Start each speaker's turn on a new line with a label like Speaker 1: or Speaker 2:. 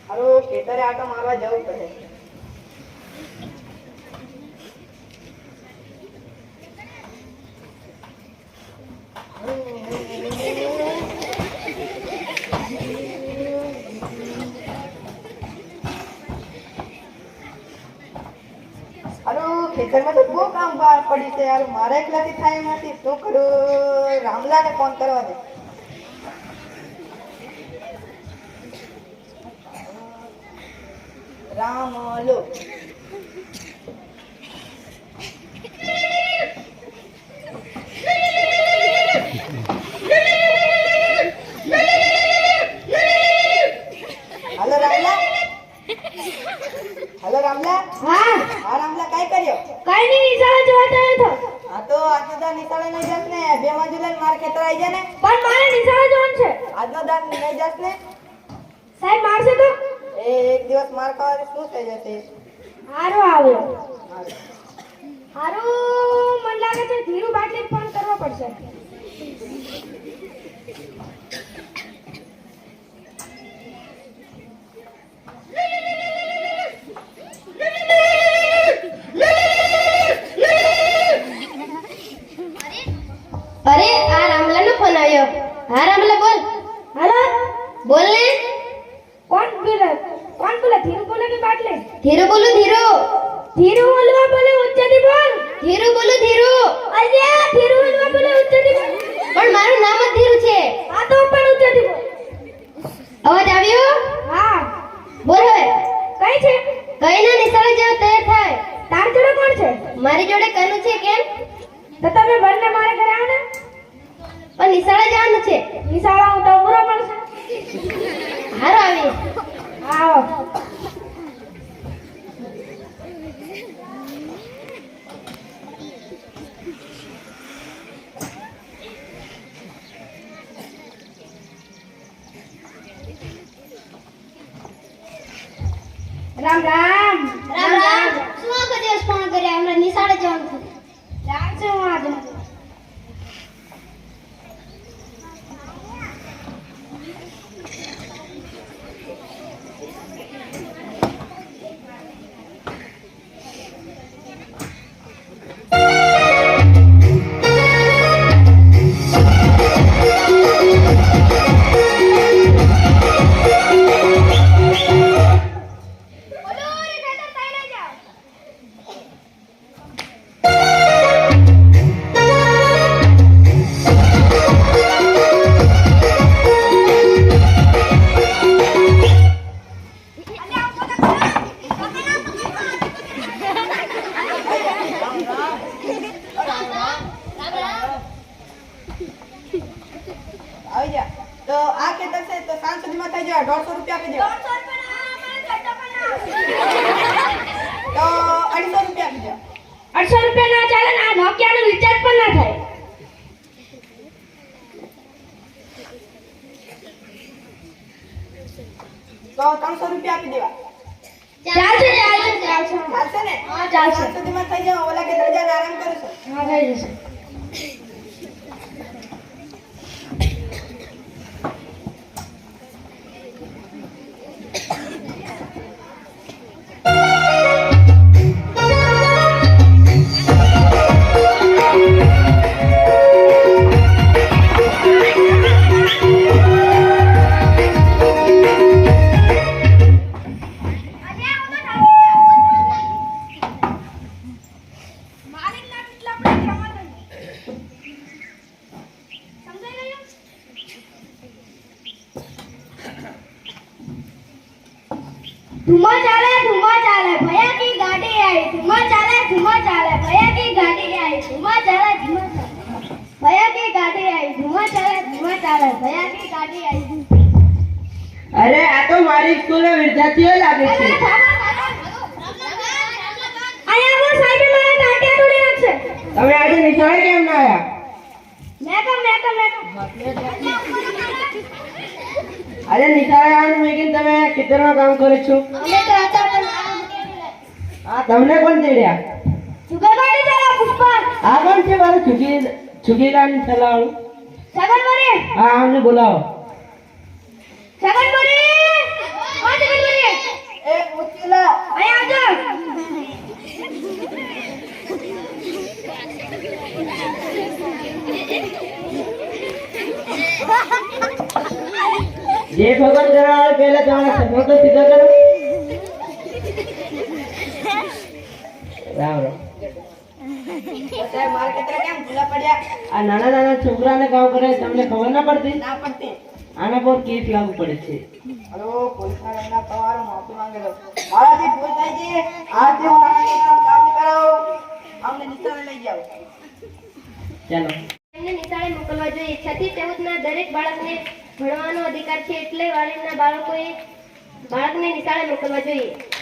Speaker 1: હારો ખેતરે આટો મારવા જવું પડે. ખેતરમાં તો બહુ કામ પડી છે યાર. મારા એકલાથી થાય એમ નથી. શું કરું? રામલાને ફોન કરવા દે. રામલો હેલો રામલા. હેલો રામલા.
Speaker 2: હા
Speaker 1: હા રામલા, કઈ કર્યો?
Speaker 2: કઈ નહીં, નિશાળે જોવા ગયો હતો.
Speaker 1: હા તો આજનો દાન નિશાળે નહીં જાસ ને? 2 જુલાઈ માર ખેતર આવી જાય ને.
Speaker 2: પણ મારે નિશાળે જવાનું છે.
Speaker 1: આજનો દાન નહીં જાસ ને?
Speaker 2: સાહેબ મારશે તો?
Speaker 1: એક દિવસ માર ખાવાથી શું થઈ જશે?
Speaker 2: હારો આવ્યો.
Speaker 1: હારું.
Speaker 2: હારો મને લાગે છે ધીરુ બાટલી ફોન કરવો પડશે.
Speaker 3: अरे आ रामला नो फोन आयो. हाँ रामला बोल.
Speaker 2: हेलो
Speaker 3: बोल ने.
Speaker 2: कौन बोला? धीरू बोले की बाटली?
Speaker 3: धीरू बोलो धीरू.
Speaker 2: धीरू बोलवा बोले उच्चती बोल.
Speaker 3: धीरू बोलो धीरू.
Speaker 2: अरे धीरू बोलवा बोले उच्चती बोल.
Speaker 3: પણ મારું નામ જ ધીરુ છે.
Speaker 2: આ તો પણ ઉચ્ચતી બોલ.
Speaker 3: અવાજ આવ્યો?
Speaker 2: હા
Speaker 3: બોલ હવે.
Speaker 2: કઈ છે?
Speaker 3: કઈ ના, નિશાળે જાવ તૈયાર થાય.
Speaker 2: તાર જોડે કોણ છે?
Speaker 3: મારી જોડે કનું છે. કેમ?
Speaker 2: તો તમે બંને મારે ઘરે આવો ને.
Speaker 3: પણ નિશાળે જવાનું છે.
Speaker 2: નિશાળા હું તો પૂરો પડશે.
Speaker 3: હારો આવી.
Speaker 2: આવો. રામ રામ.
Speaker 3: રામ રામ. શું આખો દિવસ ફોન કર્યા? હમણાં નિશાળે જવાનું છે.
Speaker 2: રામ છે હું આજે.
Speaker 1: આવી જા. તો આ ખેતર છે તો સાંજ સુધીમાં થઈ જાય. 150 રૂપિયા આપી દેવા. તો 250 રૂપિયા આપી દેવા.
Speaker 2: 800 રૂપિયા ના ચાલે ને. આ નોકિયાનું રિચાર્જ પણ ના થાય.
Speaker 1: તો 300 રૂપિયા આપી દેવા.
Speaker 2: ચાલશે.
Speaker 1: ચાલશે ને?
Speaker 2: હા ચાલશે.
Speaker 1: સાંજ સુધીમાં થઈ જાય. ઓલા ખેતર જઈને આરામ કરીશું.
Speaker 2: હા થઈ જશે. धुआं चाले भैया की गाड़ी आई. धुआं चाले भैया की गाड़ी आई. धुआं चाले भैया की गाड़ी आई. धुआं चाले भैया की गाड़ी आई.
Speaker 1: અરે આ તો મારી સ્કૂલના વિદ્યાર્થીઓ લાગે છે.
Speaker 2: અહીંયા वो साइड में मारा ટાટિયા તોડી નાખશે.
Speaker 1: તમે આજે નિશાળે કેમ ના આવ્યા? આજે નિશાળે આવવાનું મેં કીધું તમે ખેતરમાં કામ કરો છો.
Speaker 2: અમે તો હતા પણ
Speaker 1: હા, તમને કોણ તેડ્યા?
Speaker 2: જુગારવાડી ચાલા પુષ્પા.
Speaker 1: આ કોણ છે મારું છુગીલાની સલાવાળું?
Speaker 2: સગનવરી.
Speaker 1: હા, અમને બોલાવો.
Speaker 2: સગનવરી. હા સગનવરી.
Speaker 4: જે ભગવાન કરવા આવે પહેલા તમારા સપનો તો સીધો કરો. રામ રામ.
Speaker 1: તો સાહેબ મારે કેટલા કેમ ભૂલા પડ્યા?
Speaker 4: આ નાના નાના છોકરાને કામ કરે તમને ખબર ના પડતી?
Speaker 1: ના પડતી.
Speaker 4: આના પર કેસ લાગુ પડે છે.
Speaker 1: હલો પોલીસ વાળા તમારો માફી માંગે લો. મારાથી ભૂલ થઈ ગઈ. આજથી હું નાના છોકરાનું કામ નહીં કરાવું. અમને નિશાળે લઈ જાઓ.
Speaker 4: ચાલો.
Speaker 3: એમને નિશાળે મોકલવા જોઈએ. 6 થી 14 ના દરેક બાળકને ભણવાનો અધિકાર છે, એટલે વાલીના બાળકને નિશાળે મોકલવા જોઈએ.